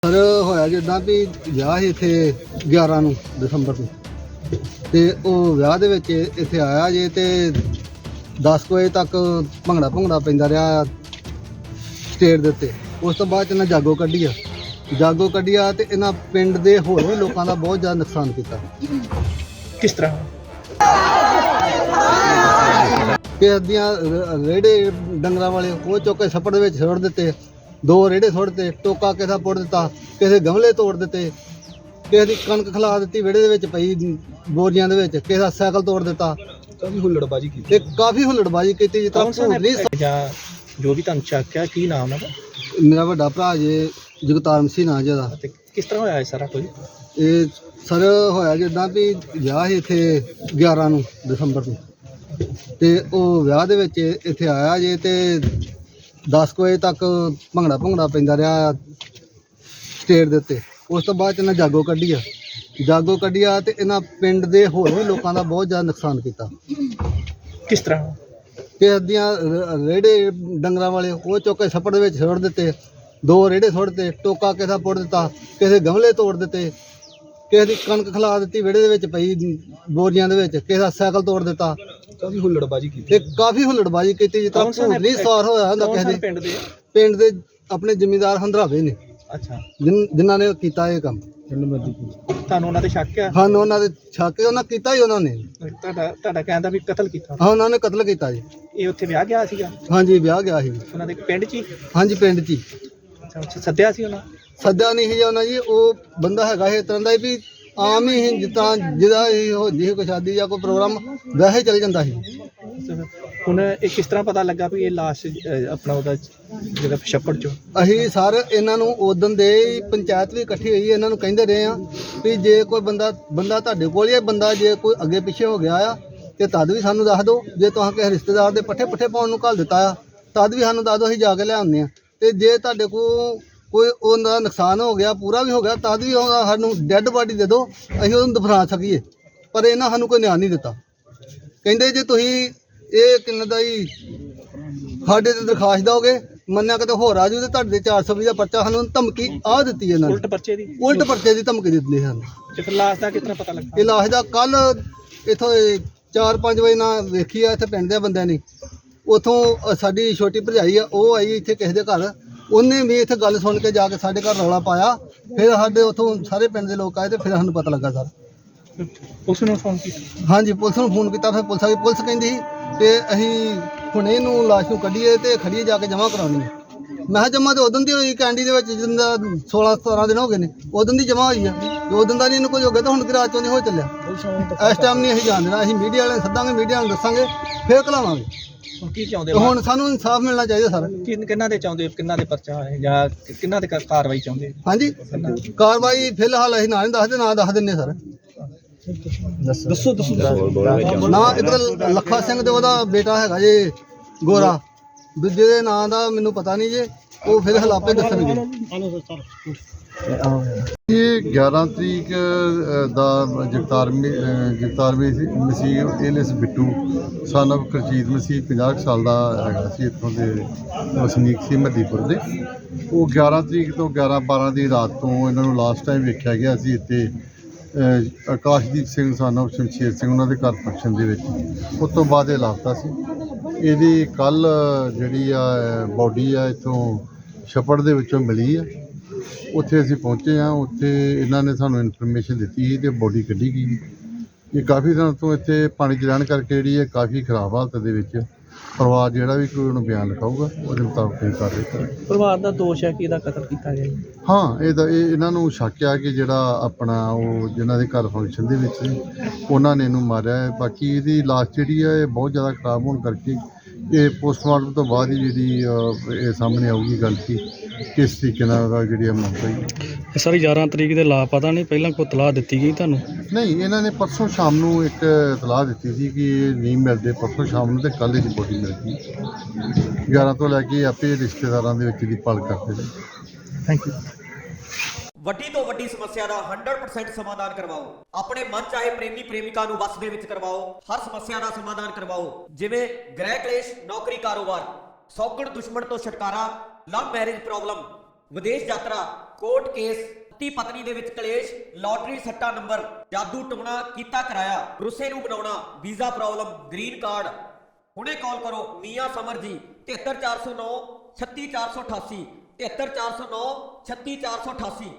Sir ਹੋਇਆ ਜਿੱਦਾਂ ਵੀ ਵਿਆਹ ਸੀ ਇੱਥੇ 11 ਨੂੰ ਦਸੰਬਰ ਨੂੰ ਤੇ ਉਹ ਵਿਆਹ ਦੇ ਵਿੱਚ ਇੱਥੇ ਆਇਆ ਜੇ ਤੇ 10 ਵਜੇ ਤੱਕ ਭੰਗੜਾ ਪੈਂਦਾ ਰਿਹਾ ਸਟੇਜ ਦੇ ਉੱਤੇ। ਉਸ ਤੋਂ ਬਾਅਦ ਇਹਨਾਂ ਜਾਗੋ ਕੱਢੀ ਆ ਤੇ ਇਹਨਾਂ ਪਿੰਡ ਦੇ ਹੋਰ ਵੀ ਲੋਕਾਂ ਦਾ ਬਹੁਤ ਜ਼ਿਆਦਾ ਨੁਕਸਾਨ ਕੀਤਾ। ਕਿਸ ਤਰ੍ਹਾਂ? ਕਿਸੇ ਦੀਆਂ ਰੇੜੇ ਡੰਗਰਾਂ ਵਾਲੇ ਉਹ ਚੁੱਕ ਕੇ ਛੱਪੜ ਦੇ ਵਿੱਚ ਸੁੱਟ ਦਿੱਤੇ, 2 ਰੇੜੇ ਸੁੱਟ ਦਿੱਤੇ, ਟੋਕਾ ਕਿਸੇ ਦਾ ਪੁੱਟ ਦਿੱਤਾ, ਕਿਸੇ ਗਮਲੇ ਤੋੜ ਦਿੱਤੇ, ਕਿਸੇ ਦੀ ਕਣਕ ਖਿਲਾ ਦਿੱਤੀ ਵਿਹੜੇ ਦੇ ਵਿੱਚ ਪਈ ਬੋਰੀਆਂ ਦੇ ਵਿੱਚ, ਕਿਸੇ ਦਾ ਸਾਈਕਲ ਤੋੜ ਦਿੱਤਾ। ਕਾਫੀ ਹੁੱਲੜਬਾਜੀ ਕੀਤੀ ਜਿੱਦਾਂ ਜਾਂ ਜੋ ਵੀ ਤੁਹਾਨੂੰ ਚੱਕਿਆ ਕੀ ਨਾਮ ਹੈ? ਮੇਰਾ ਵੱਡਾ ਭਰਾ ਜੇ ਜਗਤਾਰ ਮਸੀਹ ਨਾਂ ਜਿਹਦਾ। ਤੇ ਕਿਸ ਤਰ੍ਹਾਂ ਹੋਇਆ ਇਹ ਸਾਰਾ ਕੁਝ? ਇਹ ਸਰ ਹੋਇਆ ਜਿੱਦਾਂ ਵੀ ਵਿਆਹ ਸੀ ਇੱਥੇ 11 ਨੂੰ ਦਸੰਬਰ ਨੂੰ ਤੇ ਉਹ ਵਿਆਹ ਦੇ ਵਿੱਚ ਇੱਥੇ ਆਇਆ ਜੇ ਤੇ 10 ਵਜੇ ਤੱਕ ਭੰਗੜਾ ਪੈਂਦਾ ਰਿਹਾ ਸਟੇਜ ਦੇ ਉੱਤੇ। ਉਸ ਤੋਂ ਬਾਅਦ ਇਹਨਾਂ ਜਾਗੋ ਕੱਢੀ ਆ ਤੇ ਇਹਨਾਂ ਪਿੰਡ ਦੇ ਹੋਰ ਵੀ ਲੋਕਾਂ ਦਾ ਬਹੁਤ ਜ਼ਿਆਦਾ ਨੁਕਸਾਨ ਕੀਤਾ। ਕਿਸ ਤਰ੍ਹਾਂ? ਕਿਸੇ ਦੀਆਂ ਰੇੜੇ ਡੰਗਰਾਂ ਵਾਲੇ ਉਹ ਚੁੱਕ ਕੇ ਛੱਪੜ ਦੇ ਵਿੱਚ ਸੁੱਟ ਦਿੱਤੇ, 2 ਰੇੜੇ ਸੁੱਟ ਦਿੱਤੇ, ਟੋਕਾ ਕਿਸੇ ਦਾ ਪੁੱਟ ਦਿੱਤਾ, ਕਿਸੇ ਗਮਲੇ ਤੋੜ ਦਿੱਤੇ, ਕਿਸੇ ਦੀ ਕਣਕ ਖਿਲਾ ਦਿੱਤੀ ਵਿਹੜੇ ਦੇ ਵਿੱਚ ਪਈ ਬੋਰੀਆਂ ਦੇ ਵਿੱਚ, ਕਿਸੇ ਦਾ ਸਾਈਕਲ ਤੋੜ ਦਿੱਤਾ। ਕਾਫੀ ਹੁੱਲੜਬਾਜੀ ਕੀਤੀ ਜਿੱਦਾਂ ਨਹੀਂ ਸਾਰ ਹੋਇਆ ਹੁੰਦਾ ਕਿਸੇ ਦੇ ਪਿੰਡ ਦੇ ਆਪਣੇ ਜ਼ਿਮੀਂਦਾਰ ਹੰਦਰਾਵੇ ਨੇ। ਅੱਛਾ, ਜਿਨ੍ਹਾਂ ਨੇ ਕੀਤਾ ਇਹ ਕੰਮ। ਤੁਹਾਨੂੰ ਉਹਨਾਂ ਤੇ ਸ਼ੱਕ ਆ? ਹਾਂ, ਉਹਨਾਂ ਦੇ ਛੱਕ ਉਹਨਾਂ ਕੀਤਾ ਹੀ ਉਹਨਾਂ ਨੇ। ਤੁਹਾਡਾ ਕਹਿੰਦਾ ਵੀ ਕਤਲ ਕੀਤਾ? ਹਾਂ, ਉਹਨਾਂ ਨੇ ਕਤਲ ਕੀਤਾ ਜੀ। ਇਹ ਉੱਥੇ ਵਿਆਹ ਗਿਆ ਸੀਗਾ? ਹਾਂਜੀ, ਵਿਆਹ ਗਿਆ ਸੀ ਉਹਨਾਂ ਦੇ ਪਿੰਡ 'ਚ ਹੀ? ਹਾਂਜੀ, ਪਿੰਡ 'ਚ ਹੀ। ਅੱਛਾ, ਸੱਦਿਆ ਸੀ ਉਹਨਾਂ? ਸੱਦਿਆ ਨਹੀਂ ਸੀ ਉਹਨਾਂ ਜੀ, ਉਹ ਬੰਦਾ ਹੈਗਾ ਇਸ ਤਰ੍ਹਾਂ ਦਾ ਵੀ ਆਮ ਹੀ ਜਿੱਦਾਂ ਜਿਹਦਾ ਇਹ ਹੁੰਦੀ ਸੀ ਕੋਈ ਸ਼ਾਦੀ ਜਾਂ ਕੋਈ ਪ੍ਰੋਗਰਾਮ ਵੈਸੇ ਚੱਲ ਜਾਂਦਾ ਸੀ। ਹੁਣ ਇਹ ਕਿਸ ਤਰ੍ਹਾਂ ਪਤਾ ਲੱਗਾ ਵੀ ਇਹ ਲਾਸ਼ ਆਪਣਾ ਉਹਦਾ ਜਿਹੜਾ ਛੱਪੜ 'ਚੋਂ? ਅਸੀਂ ਸਰ ਇਹਨਾਂ ਨੂੰ ਉਦੋਂ ਦੇ ਪੰਚਾਇਤ ਵੀ ਇਕੱਠੀ ਹੋਈ, ਇਹਨਾਂ ਨੂੰ ਕਹਿੰਦੇ ਰਹੇ ਆ ਵੀ ਜੇ ਕੋਈ ਬੰਦਾ ਤੁਹਾਡੇ ਕੋਲ ਹੀ ਬੰਦਾ ਜੇ ਕੋਈ ਅੱਗੇ ਪਿੱਛੇ ਹੋ ਗਿਆ ਆ ਤੇ ਤਦ ਵੀ ਸਾਨੂੰ ਦੱਸ ਦਿਓ। ਜੇ ਤੁਸੀਂ ਕਿਸੇ ਰਿਸ਼ਤੇਦਾਰ ਦੇ ਪੱਠੇ ਪਾਉਣ ਨੂੰ ਘੱਲ ਦਿੱਤਾ ਆ ਤਦ ਵੀ ਸਾਨੂੰ ਦੱਸ ਦਿਓ, ਅਸੀਂ ਜਾ ਕੇ ਲਿਆਉਂਦੇ ਆ। ਤੇ ਜੇ ਤੁਹਾਡੇ ਕੋਲ ਕੋਈ ਉਹਦਾ ਨੁਕਸਾਨ ਹੋ ਗਿਆ, ਪੂਰਾ ਵੀ ਹੋ ਗਿਆ, ਤਦ ਵੀ ਸਾਨੂੰ ਡੈੱਡ ਬਾਡੀ ਦੇ ਦਿਓ, ਅਸੀਂ ਉਹਨੂੰ ਦਫਨਾ ਸਕੀਏ। ਪਰ ਇਹਨਾਂ ਸਾਨੂੰ ਕੋਈ ਨਿਆਂ ਨਹੀਂ ਦਿੱਤਾ। ਕਹਿੰਦੇ ਜੇ ਤੁਸੀਂ ਇਹ ਕਿੰਨੇ ਦਾ ਹੀ ਸਾਡੇ ਤੇ ਦਰਖਾਸਤ ਦਿਓਗੇ, ਮੰਨਿਆ ਕਿਤੇ ਹੋਰ ਆ ਜੂ ਤੇ ਤੁਹਾਡੇ 420 ਦਾ ਪਰਚਾ, ਸਾਨੂੰ ਧਮਕੀ ਆ ਦਿੱਤੀ ਇਹਨਾਂ ਨੇ। ਉਲਟ ਪਰਚੇ ਦੀ ਧਮਕੀ ਦਿੱਤੀ ਸਾਨੂੰ। ਤੇ ਫਿਰ ਲਾਸ਼ ਦਾ ਕਿਸ ਤਰ੍ਹਾਂ ਪਤਾ ਲੱਗਾ? ਇਹ ਲਾਸ਼ ਦਾ ਕੱਲ ਇੱਥੋਂ 4-5 ਵਜੇ ਨਾਲ ਵੇਖੀ ਆ ਇੱਥੇ ਪਿੰਡ ਦੇ ਬੰਦਿਆਂ ਨੇ। ਉੱਥੋਂ ਸਾਡੀ ਛੋਟੀ ਭਰਜਾਈ ਆ, ਉਹ ਆਈ ਇੱਥੇ ਕਿਸੇ ਦੇ ਘਰ, ਉਹਨੇ ਵੀ ਇੱਥੇ ਗੱਲ ਸੁਣ ਕੇ ਜਾ ਕੇ ਸਾਡੇ ਘਰ ਰੌਲਾ ਪਾਇਆ। ਫਿਰ ਸਾਡੇ ਉੱਥੋਂ ਸਾਰੇ ਪਿੰਡ ਦੇ ਲੋਕ ਆਏ ਤੇ ਫਿਰ ਸਾਨੂੰ ਪਤਾ ਲੱਗਾ ਸਰ। ਪੁਲਿਸ ਨੂੰ ਫੋਨ ਕੀਤਾ? ਹਾਂਜੀ, ਪੁਲਿਸ ਨੂੰ ਫੋਨ ਕੀਤਾ। ਫਿਰ ਪੁਲਿਸ ਆ ਗਈ। ਪੁਲਿਸ ਕਹਿੰਦੀ ਸੀ ਤੇ ਅਸੀਂ ਹੁਣ ਇਹਨੂੰ ਲਾਸ਼ ਨੂੰ ਕੱਢੀਏ ਤੇ ਖੜੀਏ ਜਾ ਕੇ ਜਮ੍ਹਾਂ ਕਰਾਉਣੀ ਹੈ। ਮੈਂ ਕਿਹਾ ਜਮ੍ਹਾਂ ਤੇ ਉਦੋਂ ਦੀ ਹੋਈ ਕੈਂਡੀ ਦੇ ਵਿੱਚ, ਜਿੰਦਾ 16-17 ਦਿਨ ਹੋ ਗਏ ਨੇ, ਉਦੋਂ ਦੀ ਜਮ੍ਹਾਂ ਹੋਈ ਆ। ਉਦੋਂ ਦਾ ਨਹੀਂ ਇਹਨੂੰ ਕੁਝ ਹੋ ਗਿਆ ਤਾਂ ਹੁਣ ਕਿ ਰਾਤ ਚੋਂ ਨਹੀਂ ਹੋ ਚੱਲਿਆ। ਇਸ ਟਾਈਮ ਨਹੀਂ ਅਸੀਂ ਜਾਣ ਦੇਣਾ। ਅਸੀਂ ਮੀਡੀਆ ਵਾਲਿਆਂ ਨੂੰ ਸੱਦਾਂਗੇ, ਮੀਡੀਆ ਨੂੰ ਦੱਸਾਂਗੇ, ਫਿਰ ਘਲਾਵਾਂਗੇ। ਕੀ ਚਾਹੁੰਦੇ ਹੁਣ ਸਾਨੂੰ ਇਨਸਾਫ ਮਿਲਣਾ ਚਾਹੀਦਾ ਸਰ। ਕਿੰਨਾ ਦੇ ਚਾਹੁੰਦੇ, ਕਿੰਨਾ ਦੇ ਪਰਚਾ ਹੈ ਜਾਂ ਕਿੰਨਾ ਦੇ ਕਾਰਵਾਈ ਚਾਹੁੰਦੇ? ਹਾਂਜੀ, ਕਾਰਵਾਈ ਫਿਲਹਾਲ ਅਸੀਂ ਨਾ ਨਹੀਂ ਦੱਸਦੇ, ਨਾ ਦੱਸ ਦਿੰਦੇ ਸਰ। ਦੱਸੋ ਨਾ ਇੱਕ ਲੱਖਾ ਸਿੰਘ ਤੇ ਉਹਦਾ ਬੇਟਾ ਹੈਗਾ ਜੇ ਗੋਰਾ, ਦੂਜੇ ਦੇ ਨਾਂ ਦਾ ਮੈਨੂੰ ਪਤਾ ਨਹੀਂ ਜੇ, ਉਹ ਫਿਲਹਾਲ ਆਪੇ ਦੱਸਣਗੇ। ਇਹ 11 ਤਰੀਕ ਦਾ Jagtar Masih Ellis Bittu son of Karjit Masih 50 ਸਾਲ ਦਾ ਹੈਗਾ ਸੀ, ਇੱਥੋਂ ਦੇ ਵਸਨੀਕ ਸੀ ਮੱਦੀਪੁਰ ਦੇ। ਉਹ 11 ਤਰੀਕ ਤੋਂ 11-12 ਦੀ ਰਾਤ ਤੋਂ ਇਹਨਾਂ ਨੂੰ ਲਾਸਟ ਟਾਈਮ ਵੇਖਿਆ ਗਿਆ ਸੀ ਇੱਥੇ ਆਕਾਸ਼ਦੀਪ ਸਿੰਘ ਸਨ ਆਫ ਸ਼ਮਸ਼ੇਰ ਸਿੰਘ ਉਹਨਾਂ ਦੇ ਘਰ ਫੰਕਸ਼ਨ ਦੇ ਵਿੱਚ। ਉਸ ਤੋਂ ਬਾਅਦ ਇਹ ਲਾਪਤਾ ਸੀ। ਇਹਦੀ ਕੱਲ੍ਹ ਜਿਹੜੀ ਆ ਬੋਡੀ ਆ ਇੱਥੋਂ ਛੱਪੜ ਦੇ ਵਿੱਚੋਂ ਮਿਲੀ ਆ। ਉੱਥੇ ਅਸੀਂ ਪਹੁੰਚੇ ਹਾਂ। ਉੱਥੇ ਇਹਨਾਂ ਨੇ ਸਾਨੂੰ ਇਨਫੋਰਮੇਸ਼ਨ ਦਿੱਤੀ ਸੀ ਅਤੇ ਬੋਡੀ ਕੱਢੀ ਗਈ। ਇਹ ਕਾਫੀ ਦਿਨ ਤੋਂ ਇੱਥੇ ਪਾਣੀ 'ਚ ਰਹਿਣ ਕਰਕੇ ਜਿਹੜੀ ਹੈ ਕਾਫੀ ਖਰਾਬ ਹਾਲਤ ਦੇ ਵਿੱਚ। ਪਰਿਵਾਰ ਜਿਹੜਾ ਵੀ ਕੋਈ ਉਹਨੂੰ ਬਿਆਨ ਲਿਖਾਊਗਾ ਉਹਦੇ ਮੁਤਾਬਕ ਇਹ ਕਾਰਵਾਈ ਕਰਾਂਗੇ। ਪਰਿਵਾਰ ਦਾ ਦੋਸ਼ ਹੈ ਕਿ ਇਹਦਾ ਕਤਲ ਕੀਤਾ ਗਿਆ? ਹਾਂ, ਇਹਨਾਂ ਨੂੰ ਸ਼ੱਕ ਆ ਕਿ ਜਿਹੜਾ ਆਪਣਾ ਉਹ ਜਿਨ੍ਹਾਂ ਦੇ ਘਰ ਫੰਕਸ਼ਨ ਦੇ ਵਿੱਚ ਸੀ ਉਹਨਾਂ ਨੇ ਇਹਨੂੰ ਮਾਰਿਆ ਹੈ। ਬਾਕੀ ਇਹਦੀ ਲਾਸ਼ ਜਿਹੜੀ ਹੈ ਇਹ ਬਹੁਤ ਜ਼ਿਆਦਾ ਖਰਾਬ ਹੋਣ ਕਰਕੇ ਇਹ ਪੋਸਟਮਾਰਟਮ ਤੋਂ ਬਾਅਦ ਹੀ ਜਿਹੜੀ ਇਹ ਸਾਹਮਣੇ ਆਊਗੀ ਗੱਲ ਕਿ ਕਿਸ ਤਰੀਕੇ ਨਾਲ ਉਹਦਾ ਜਿਹੜੀ ਮੌਤ ਹੋਈ। ਸਰ 11 ਤਰੀਕ ਦੇ ਲਾਪਤਾ ਨਹੀਂ, ਪਹਿਲਾਂ ਕੋਈ ਇਤਲਾਹ ਦਿੱਤੀ ਗਈ ਤੁਹਾਨੂੰ? ਨਹੀਂ, ਇਹਨਾਂ ਨੇ ਪਰਸੋਂ ਸ਼ਾਮ ਨੂੰ ਇੱਕ ਇਤਲਾਹ ਦਿੱਤੀ ਸੀ ਕਿ ਇਹ ਨਹੀਂ ਮਿਲਦੇ ਪਰਸੋਂ ਸ਼ਾਮ ਨੂੰ, ਤੇ ਕੱਲ੍ਹ ਦੀ ਬੋਡੀ ਮਿਲ ਗਈ। 11 ਤੋਂ ਲੈ ਕੇ ਆਪੇ ਰਿਸ਼ਤੇਦਾਰਾਂ ਦੇ ਵਿੱਚ ਦੀ ਭਾਲ ਕਰਦੇ ਨੇ। Thank you. ਵੱਡੀ ਤੋਂ ਵੱਡੀ ਸਮੱਸਿਆ ਦਾ 100% ਸਮਾਧਾਨ ਕਰਵਾਓ। ਆਪਣੇ ਮਨ ਚਾਹੇ ਪ੍ਰੇਮੀ ਪ੍ਰੇਮਿਕਾ ਨੂੰ ਵਸ ਦੇ ਵਿੱਚ ਕਰਵਾਓ। ਹਰ ਸਮੱਸਿਆ ਦਾ ਸਮਾਧਾਨ ਕਰਵਾਓ, ਜਿਵੇਂ ਗ੍ਰਹਿ ਕਲੇਸ਼, ਨੌਕਰੀ, ਕਾਰੋਬਾਰ, ਸੌਗਣ ਦੁਸ਼ਮਣ ਤੋਂ ਛੁਟਕਾਰਾ, ਲਵ ਮੈਰਿਜ ਪ੍ਰੋਬਲਮ, ਵਿਦੇਸ਼ ਯਾਤਰਾ, ਕੋਰਟ ਕੇਸ, ਪਤੀ ਪਤਨੀ ਦੇ ਵਿੱਚ ਕਲੇਸ਼, ਲਾਟਰੀ ਸੱਟਾ ਨੰਬਰ, ਜਾਦੂ ਟੂਣਾ ਕੀਤਾ ਕਰਾਇਆ, ਰੁੱਸੇ ਨੂੰ ਬਣਾਉਣਾ, ਵੀਜ਼ਾ ਪ੍ਰੋਬਲਮ, ਗ੍ਰੀਨ ਕਾਰਡ। ਹੁਣੇ ਕਾਲ ਕਰੋ ਮੀਆਂ ਸਮਰ ਜੀ 73409 36488 73409 36488।